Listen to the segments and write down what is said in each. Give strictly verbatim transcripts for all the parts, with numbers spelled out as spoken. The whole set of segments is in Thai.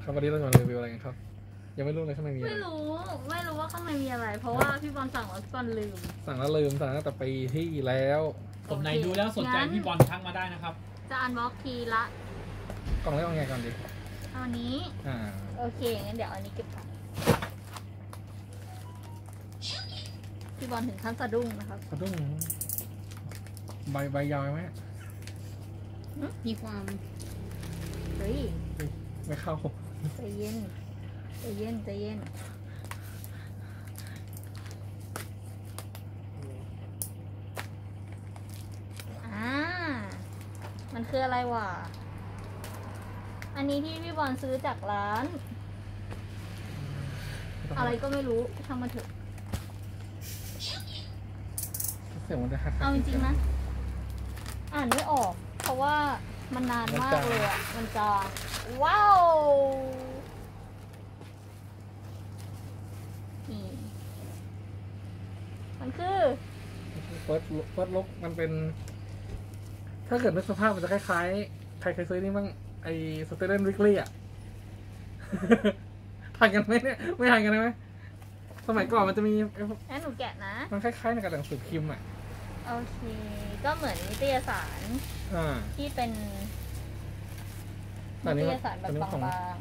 ครับวันนี้เราจะมารีวิวอะไรกันครับยังไม่รู้เลยข้างในมีอะไรไม่รู้ไม่รู้ว่าข้างในมีอะไร เพราะว่าพี่บอลสั่งแล้วพี่บอลลืมสั่งแล้วลืมสั่งตั้งแต่ปีที่แล้วผมไหนดูแล้วสนใจพี่บอลทักมาได้นะครับจะอันบ็อกทีละกล่องแรกเอาไงก่อนดิเอาอันนี้อ่าโอเคงั้นเดี๋ยวอันนี้เก็บก่อนพี่บอลถึงขั้นสะดุ้งนะครับสะดุ้งใบใบยาวไหมมีความเฮ้ยไม่เข้าใจเย็นใจเย็นใจเย็นอ่ามันคืออะไรวะอันนี้ที่พี่บอลซื้อจากร้านอะไรก็ไม่รู้ช่างมันเถอะเสียงมันจะคัดเอาจริงๆนะอ่านไม่ออกเพราะว่ามันนานมากเลยอ่ะมันจางว้าวนี่มันคือเฟิร์สเฟิร์สลุกมันเป็นถ้าเกิดนึกสภาพมันจะคล้ายๆใครเคยซื้อนี่บ้างไอ้สเตเดนวิกลี่อ่ะทันกันไหมเนี่ยไม่ทันกันไหมสมัยก่อนมันจะมีงั้นหนูแกะนะมันคล้ายๆในกระดาษหนังสือพิมพ์อ่ะโอเคก็เหมือนนิตยสารที่เป็นนิตยสารแบบบาง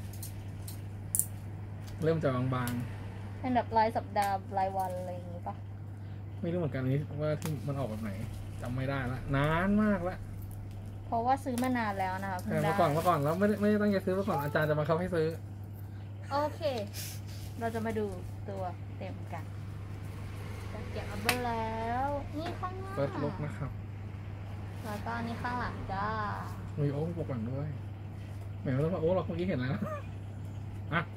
ๆเริ่มจากบางๆเป็นแบบรายสัปดาห์รายวันอะไรอย่างนี้ปะไม่รู้เหมือนกันนี้ว่าที่มันออกแบบไหนจำไม่ได้ละนานมากละเพราะว่าซื้อมานานแล้วนะคะเมื่อก่อนเมื่อก่อนแล้วไม่ได้ไม่ได้ตั้งใจซื้อเมื่อก่อนอาจารย์จะมาเขาให้ซื้อโอเคเราจะมาดูตัวเต็มกันจะเก็บเอาไปแล้วนี่ข้างหน้าเปิดลุกนะครับแล้วก็นี่ข้างหลังจ้ามีโอ้ปกหลังด้วยเหมือนว่าโอ้เราเมื่อกี้เห็นแล้วอ่ะ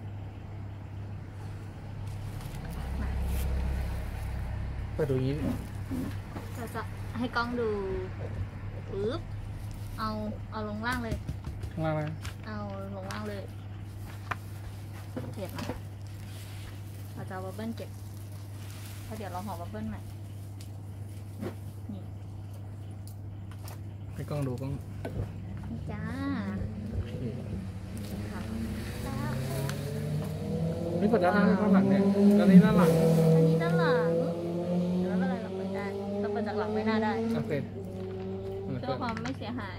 เปิดดูนี้เราจะให้กล้องดูปึ๊บเอาเอาลงล่างเลยลงล่างเลยเอาลงล่างเลยเก็บนะเราจะเอาบับเบิ้ลเก็บเพราะเดี๋ยวเราห่อบับเบิ้ลใหม่นี่ให้กล้องดูกล้องนี่จ้านี่เปิดด้านหน้าด้านหลังเนี่ยอันนี้ด้านหลังอันนี้ด้านหลังแล้วอะไรหลังไม่ได้เราเปิดจากหลังไม่น่าได้โอเคเพื่อความไม่เสียหาย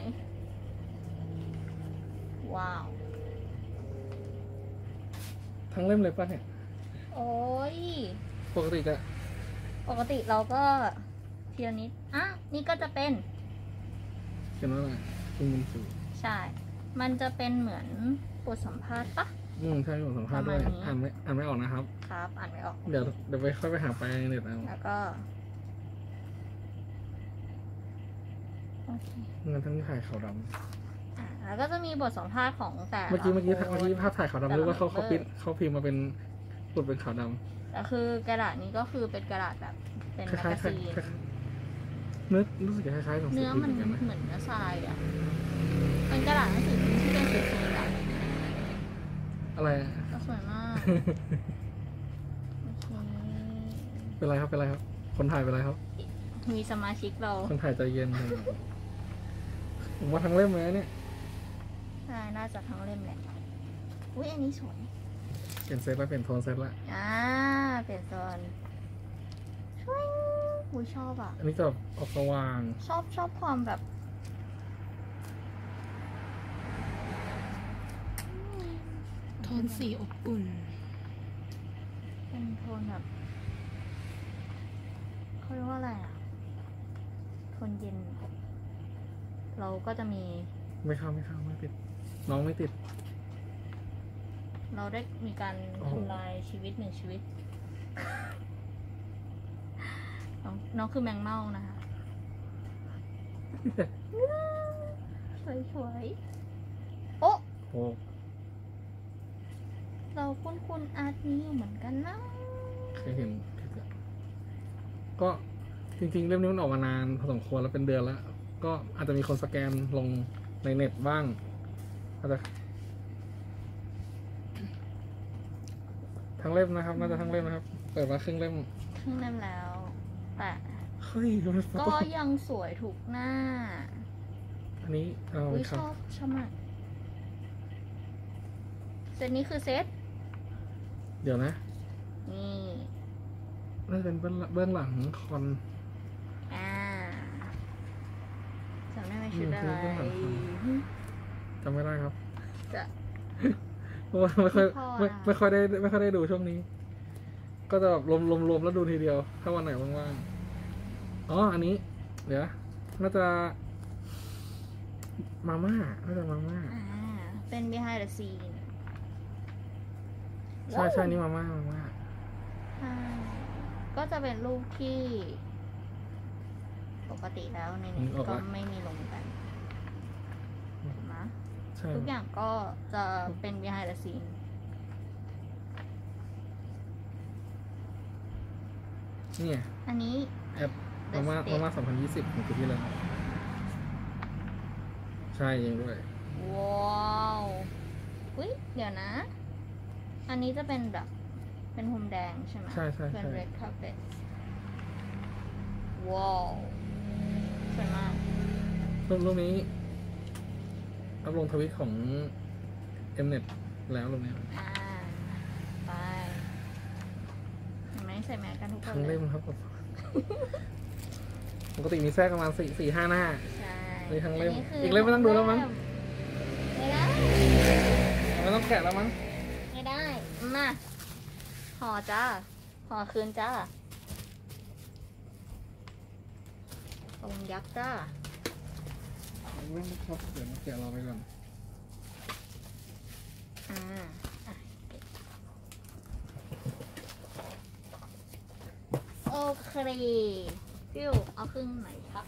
ว้าวทั้งเล่มเลยป่ะเนี่ยโอ้ยปกติจะปกติเราก็ทีละนิดอ่ะนี่ก็จะเป็นเขียนว่าอะไรคุณบุญสูใช่มันจะเป็นเหมือนบทสัมภาษณ์ปะอืมใช่บทสัมภาษณ์ด้วยอ่านไม่อ่านไม่ออกนะครับครับอ่านไม่ออกเดี๋ยวเดี๋ยวไปค่อยไปหาไปในเน็ตเอาแล้วก็โอเคงั้นทั้งถ่ายขาวดำอ่าแล้วก็จะมีบทสัมภาษณ์ของแต่เมื่อกี้เมื่อกี้เมื่อกี้ภาพถ่ายขาวดำหรือว่าเขาเขาพิมพ์เขาพิมพ์มาเป็นปุดเป็นขาวดำแต่คือกระดาษนี้ก็คือเป็นกระดาษแบบเป็นแมกกาซีนเนื้อรู้สึกคล้ายๆของเนื้อมันเหมือนเนื้อทรายอ่ะเป็นกระดาษหนังสือพิมพ์ที่เป็นสีๆอะอะไรก็สวยมากเป็นไรครับเป็นไรครับคนถ่ายเป็นไรครับมีสมาชิกเราคนถ่ายใจเย็นผมว่าทั้งเล่มเลยเนี่ยใช่น่าจะทั้งเล่มแหละอุ้ยอันนี้สวยเปลี่ยนเซตแล้วเปลี่ยนโทนเซตละอ่าเปลี่ยนโซนช่วยอุ้ยชอบอ่ะอันนี้จะออกสว่างชอบชอบความแบบโทนสีอบอุ่นเป็นโทนแบบเขาเรียกว่าอะไรอ่ะโทนเย็นเราก็จะมีไม่เข้าไม่เข้าไม่ติดน้องไม่ติดเราได้มีการทำลายชีวิตหนึ่งชีวิตน้องน้องคือแมงเม่านะคะสวยสวยโอ๊ะเราคุ้นคุ้นอาร์ตนี้เหมือนกันนะเคยเห็นก็จริงๆเล่มนี้มันออกมานานพอสมควรแล้วเป็นเดือนแล้วก็อาจจะมีคนสแกนลงในเน็ตบ้างอาจจะทั้งเล่มนะครับน่าจะทั้งเล่มนะครับเปิดมาครึ่งเล่มครึ่งเล่มแล้วแต่เฮ้ยก็ยังสวยถูกหน้าอันนี้เอาชอบชอบมากเซตนี้คือเซตเดี๋ยวนะนี่น่าจะเป็นเบื้องเบื้องหลังคอนอ่าจำได้ไหมชุดอะไรจำไม่ได้ครับจะเพราะว่าไม่ค่อยไม่พอไม่นะไม่ค่อยได้ไม่ค่อยได้ดูช่วงนี้ ก็จะแบบรวมรวมรวมแล้วดูทีเดียว ถ้าวันไหนว่างๆอ๋ออันนี้ เดี๋ยวน่าจะมาม่าน่าจะมาม่าอ่าเป็น behind the scene ใช่ใช่นี่มาม่ามาม่าใช่ก็จะเป็นรูปที่ปกติแล้วในนี้ก็ไม่มีลงกันถูกไหมใช่ทุกอย่างก็จะเป็น behind the scene นี่ไงอันนี้แอปมาม่ามาม่าสองพันยี่สิบของปีที่แล้วใช่เองด้วยว้าวอุ้ยเดี๋ยวนะ อันนี้จะเป็นแบบ เป็นพรมแดงใช่ไหมใช่ใช่เป็นใช่ red carpet ว้าวสวยมากรูปรูปนี้อัพลงทวิตของ Mnet แล้วรูปนี้อ่า ไปเห็นไหมใส่แมสกันทุกคนทั้งเลเล่ยมครับ ปกติมีแทรกประมาณสี่สี่ห้าหน้าใช่มีทั้งเล่มนนี้คือีกเล่มไม่ต้องดูแล้วมั้งไม่ได้ไม่ต้องแกะแล้วมั้งไม่ได้ มาห่อจ้าห่อคืนจ้าองค์ยักษ์จ้าเล่มครับเดี๋ยวมาแกะเราไปก่อนอ่าอ่ะเก็บโอเคฟิวเอาครึ่งไหนครับ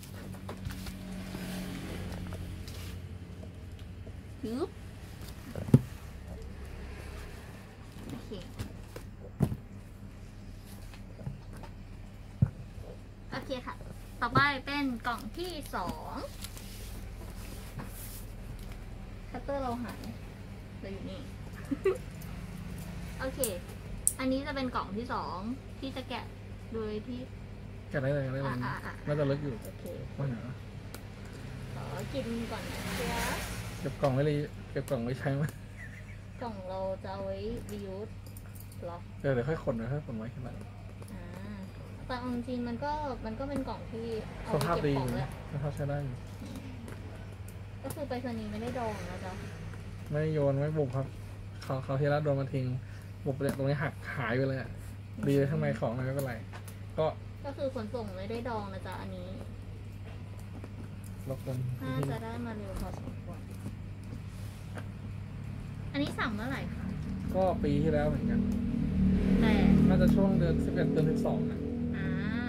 ยึบโอเค โอเคค่ะ ต่อไปเป็นกล่องที่สองคัตเตอร์เราหายเราอยู่นี่ โอเค อันนี้จะเป็นกล่องที่สองที่จะแกะโดยที่แกะได้เลยแกะได้เลยอ่ะอ่ะอ่ะน่าจะลึกอยู่โอเคว่าไงวะขอกินก่อนนะเชียเก็บกล่องไว้เลยเก็บกล่องไว้ใช้ไหมกล่องเราจะเอาไว้รียูสหรอเดี๋ยวเดี๋ยวค่อยขนเดี๋ยวค่อยขนไว้ข้างหลังอ่าแต่เอาจริงๆมันก็มันก็เป็นกล่องที่เอาสไว้ภาพเก็บดีของอยู่แหนะละสภาพใช้ได้อยู่ก็คือไปรษณีย์ไม่ได้ดองนะจ๊ะไม่โยนไม่บุบครับเขาเขาที่รัดโดนมาทิ้งบุบเลยตรงนี้หักหายไปเลยอะดีเลยข้างในของอะไรไม่เป็นไร ก็ก็คือขนส่งไม่ได้ดองนะจ๊ะอันนี้รบกวนน่าจะได้มาเร็วพอสมควร อันนี้สั่งเมื่อไหร่คะก็ปีที่แล้วเหมือนกันแต่น่าจะช่วงเดือนสิบเอ็ดเดือนสิบสองนะอ่า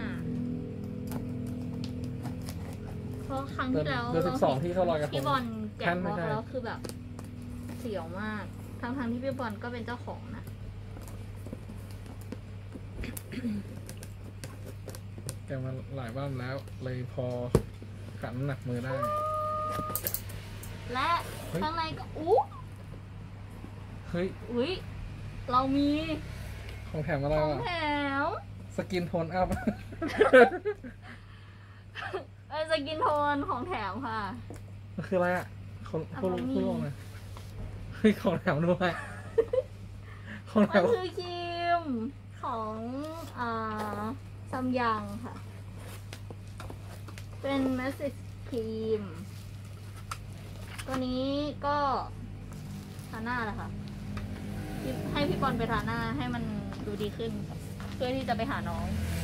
เพราะครั้งที่แล้วเดือนสิบสองที่เขาลอยกระทพี่งบอลแกะท่านบไม่ล็อกใช่แล้วคือแบบ เสียวมาก ทั้งทางๆที่พี่บอลก็เป็นเจ้าของนะแกมาหลายบ้านแล้ว เลยพอขันน้ำหนักมือได้และเฮ้ยข้างในก็อู้เฮ้ยอุ้ยเรามีของแถมอะไรของวะแถมสกินโทนอัพเออสกินโทนของแถมค่ะมันคืออะไรอ่ะคนอ่ะผู้มันมีผู้ลงเลยเฮ้ยของแถมด้วยของแถมันมคือครีมของอ่าซัมยังค่ะ เป็นแมสซิสครีม ตัวนี้ก็ทาหน้าแหละค่ะ ให้พี่บอลไปทาหน้าให้มันดูดีขึ้น เพื่อที่จะไปหาน้อง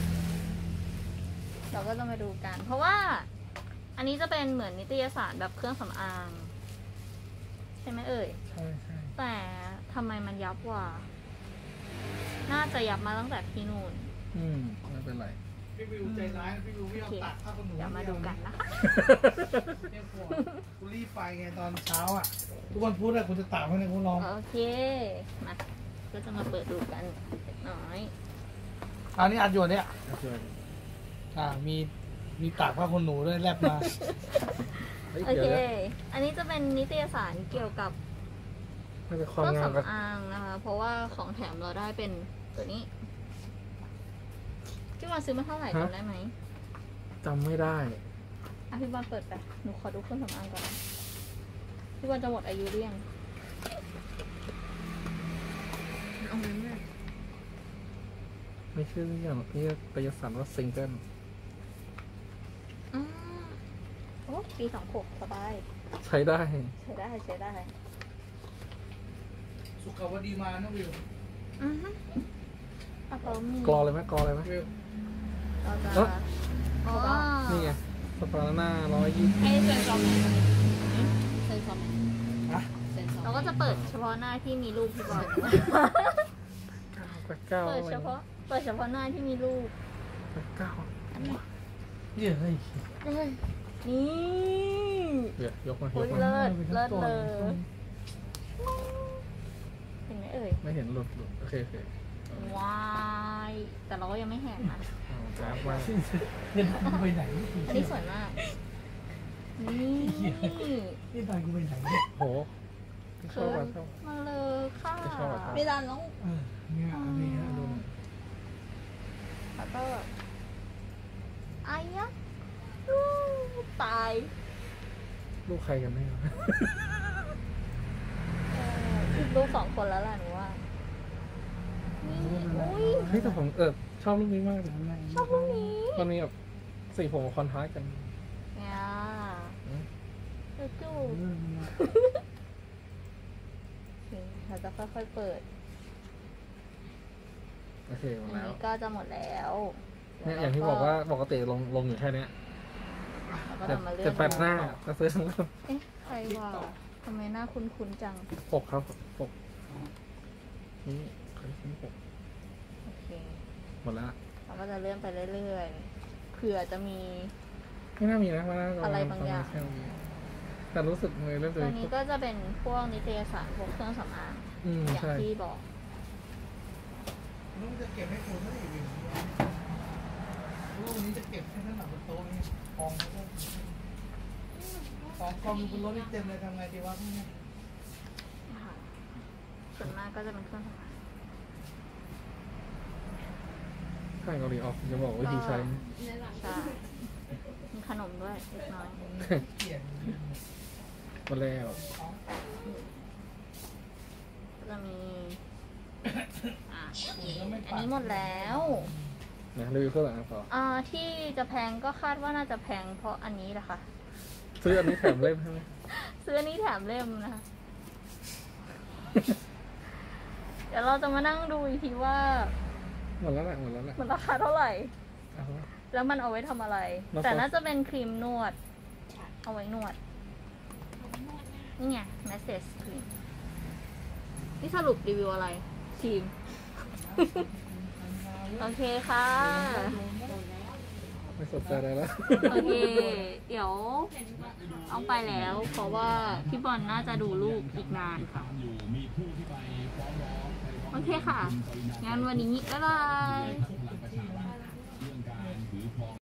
เราก็จะมาดูกัน เพราะว่า อันนี้จะเป็นเหมือนนิตยสารแบบเครื่องสำอาง ใช่ไหมเอ่ยใช่ใช่แต่ทำไมมันยับกว่า น่าจะยับมาตั้งแต่ที่นู่นอืมไม่เป็นไรพี่วิวใจร้ายพี่วิวไม่ยอมตัดผ้าขนหนูเดี๋ยวมาดูกันนะคะเนี่ยพวกกูรีบไปไงตอนเช้าอ่ะ ทุกวันพุธอะกูจะตากให้ในกูลองโอเค มา ก็จะมาเปิดดูกันเล็กน้อยอันนี้อัดอยู่เนี่ยโอเคอ่า มี มีตากผ้าขนหนูด้วยแลบมาเฮ้ยโอเดี๋ยวเคนะอันนี้จะเป็นนิตยสารเกี่ยวกับน่าจะคเความรื่องงามกับสำอางนะคะ เพราะว่าของแถมเราได้เป็นตัวนี้พี่บอลซื้อมาเท่าไหร่จำได้ไหมจำไม่ได้อ่ะพี่บอลเปิดไป หนูขอดูเครื่องสำอางก่อนนะพี่บอลจะหมดอายุหรือยังเอาไว้แม่ไม่ชื่ออย่างที่กายสันว่าซิงเกิลอืมโอ้ปีสองหกสบายใช้ได้ใช้ได้ใช้ได้สุขาวดีมานะวิวอือฮึอ่ะเขามีกรอเลยไหมกรอเลยไหมวิวเราจะเอ้ออ๋อนี่ไงสปาร์น่าร้อยยี่สิบให้เซ็นซอมไหนเซ็นซอมไหนฮะเซ็นซอมเราก็จะเปิดเฉพาะหน้าที่มีรูปพี่บอลแปดเก้าเปิดเฉพาะ เปิดเฉพาะหน้าที่มีรูปแปดเก้าเยอะเลยนี่เดี๋ยวยกมายโอ้กยมาเลิศเลิศเลยเห็นไหมเอ่ยไม่เห็นหลุดหลุดโอเคโอเคว้ายแต่เราก็ยังไม่แหกนะเอากราฟมาเงินกูไปไหนอันนี้สวยมาก นี่นี่ตายกูไปไหนโหชอบอ่ะชอบมาเลยค่ะไม่ชอบอะครับไม่ได้น้องเออเนี่ยอันนี้ฮะดูแล้วก็อายะอู้ตายลูกใครกันแน่วะเออลูกสองคนแล้วล่ะหนูว่า นี่อุ้ยเฮ้ยแต่ผมเออชอบรูปนี้มากเลยชอบรูปนี้มันมีแบบสีผมคอนทราสต์กันเนี่ยอืมจูจูเราจะค่อยๆเปิดโอเคหมอัดนแล้วนี้ก็จะหมดแล้วเนี่ยอย่างที่บอกว่าปกติลงลงอยู่แค่เนี้ยเราก็จะจะมาเลื่อนจะแปดหน้าจะซื้อทั้งหมดเอ๊ะใครว่าทำไมหน้าคุ้นๆจังปกครับปกนี่ใครซื้อปกโอเคหมดแล้วเราก็จะเลื่อนไปเรื่อยๆ เผื่อจะมีไม่น่ามีนะไม่น่าอะไรบางอย่างแค่นี้แต่รู้สึกเลยเริ่มจะตัวมีนี้ก็จะเป็นพวกนิตยสารพวกเครื่องสำอางอืมอย่างใช่ที่บอกลูกจะเก็บให้กูเท่าไหร่วิวลูกวันนี้จะเก็บให้ทั้งหลังบนโต๊ะนี่กองแล้วก็ของกองอยู่บนรถนี่เต็มเลยทำไงดีวะพวกนี้นะคะส่วนมากก็จะเป็นเครื่องสำอางใช่เกาหลีออกจะบอกวิธีใช้ในหลังใช่มีขนมด้วยเล็กน้อยเกลียดหมดแล้วก็จะมีอ่ะอันนี้หมดแล้วนะรีวิวเครื่องหลังต่ออ่าที่จะแพงก็คาดว่าน่าจะแพงเพราะอันนี้แหละค่ะซื้ออันนี้แถมเล่มใช่ไหมซื้ออันนี้แถมเล่มนะคะ เดี๋ยวเราจะมานั่งดูอีกทีว่าหมดแล้วแหละหมดแล้วแหละมันราคาเท่าไหร่เอาวะแล้วมันเอาไว้ทำอะไรแล้วก็แต่น่าจะเป็นครีมนวด เอาไว้นวด นี่ไง message ครีม นี่สรุปรีวิวอะไรครีม โอเคค่ะไม่สนใจอะไรแล้วโอเค เดี๋ยวเอาไปแล้ว เพราะว่าพี่บอลน่าจะดูลูกอีกนานค่ะ โอเคค่ะ งั้นวันนี้บ๊ายบาย